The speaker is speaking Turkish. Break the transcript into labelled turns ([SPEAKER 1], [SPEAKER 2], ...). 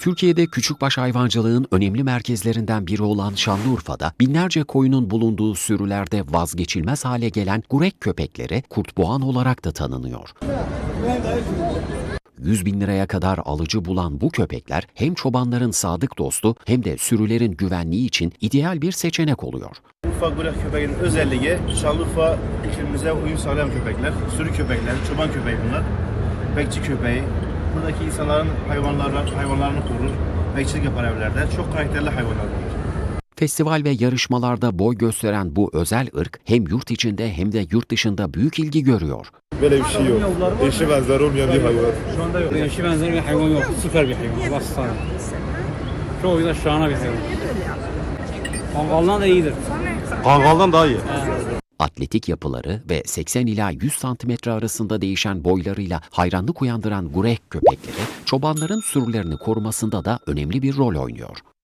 [SPEAKER 1] Türkiye'de küçükbaş hayvancılığın önemli merkezlerinden biri olan Şanlıurfa'da binlerce koyunun bulunduğu sürülerde vazgeçilmez hale gelen gurek köpekleri kurtboğan olarak da tanınıyor. 100 bin liraya kadar alıcı bulan bu köpekler hem çobanların sadık dostu hem de sürülerin güvenliği için ideal bir seçenek oluyor.
[SPEAKER 2] Urfa gurek köpeğinin özelliği Şanlıurfa iklimimize uyum sağlayan köpekler, sürü köpekler, çoban köpeği bunlar, bekçi köpeği. Buradaki insanların hayvanlarını korur, bekçilik yapar evlerde. Çok karakterli hayvanlar bunlar.
[SPEAKER 1] Festival ve yarışmalarda boy gösteren bu özel ırk hem yurt içinde hem de yurt dışında büyük ilgi görüyor.
[SPEAKER 3] Böyle bir şey yok. Eşi benzer olmayan bir hayvan.
[SPEAKER 4] Şu anda yok. Eşi benzeri bir hayvan yok. Süper bir hayvan. Allah sana. Çok güzel, şahane bir hayvan. Kangaldan da iyidir.
[SPEAKER 3] Kangaldan daha iyi.
[SPEAKER 1] Atletik yapıları ve 80 ila 100 santimetre arasında değişen boylarıyla hayranlık uyandıran gurek köpekleri çobanların sürülerini korumasında da önemli bir rol oynuyor.